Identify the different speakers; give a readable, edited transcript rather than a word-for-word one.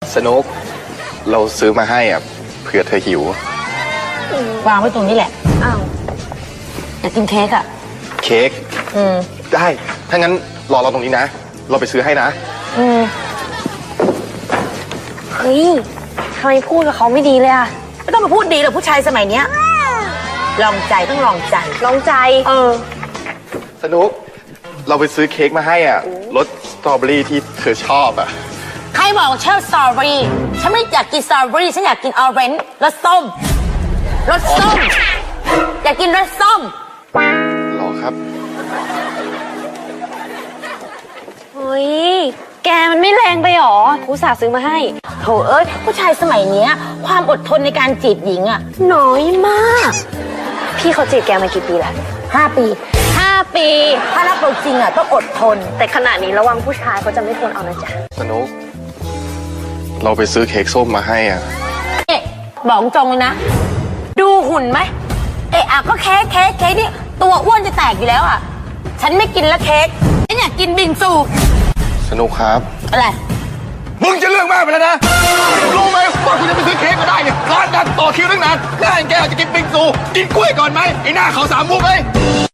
Speaker 1: สนุกเราซื้อมาให้อ่ะเผื่อเธอหิว
Speaker 2: วางไว้ตรงนี้แหละอ้าวอยากกินเค้กอ่ะ
Speaker 1: เค้กได้ถ้างั้นรอเราตรงนี้นะเราไปซื้อให้นะ
Speaker 3: เฮ้ยทำไมพูดกับเขาไม่ดีเลยอะ
Speaker 2: ไม่ต้องมาพูดดีหรอกผู้ชายสมัยเนี้ยลองใจต้องลองใจ
Speaker 1: สนุกเราไปซื้อเค้กมาให้อ่ะรสสตรอเบอรี่ที่เธอชอบอ่ะ
Speaker 2: ใครบอกชอบสตรอเบอรี่ฉันไม่อยากกินสตรอเบอรี่ฉันอยากกินออเรนจ์รสส้มอยากกินรสส้ม
Speaker 1: หรอครับ
Speaker 3: เฮ้ยแกมันไม่แรงไปหรออุตส่าห์ซื้อมาให้
Speaker 2: โถเอ้ยผู้ชายสมัยเนี้ยความอดทนในการจีบหญิงอะน้อยมาก
Speaker 3: พี่เขาจีบแกมากี่ปีแล้ว
Speaker 2: 5 ปีถ้ารักเราจริงอะต้องอดทน
Speaker 3: แต่ขณะนี้ระวังผู้ชายเขาจะไม่ทนเอานะจ๊ะ
Speaker 1: สนุกเราไปซื้อเค้กส้มมาให้อ่ะ
Speaker 2: เอ๊ะบอกตรงเลยนะดูหุ่นไหมเอ๊ะก็เค้กนี่ตัวอ้วนจะแตกอยู่แล้วอะฉันไม่กินแล้วเค้กฉันอยากกินบิงซู
Speaker 1: สนุกครับ
Speaker 2: อะไร
Speaker 1: มึงจะเรื่องมากไปแล้วนะรู้ไหมว่าคุณจะไปซื้อเค้กก็ได้เนี่ยร้านดังต่อคิวตั้งนานง่ายแกจะกินบิงซูกินกล้วยก่อนไหมไอ้หน้าเขา3 มุกเลย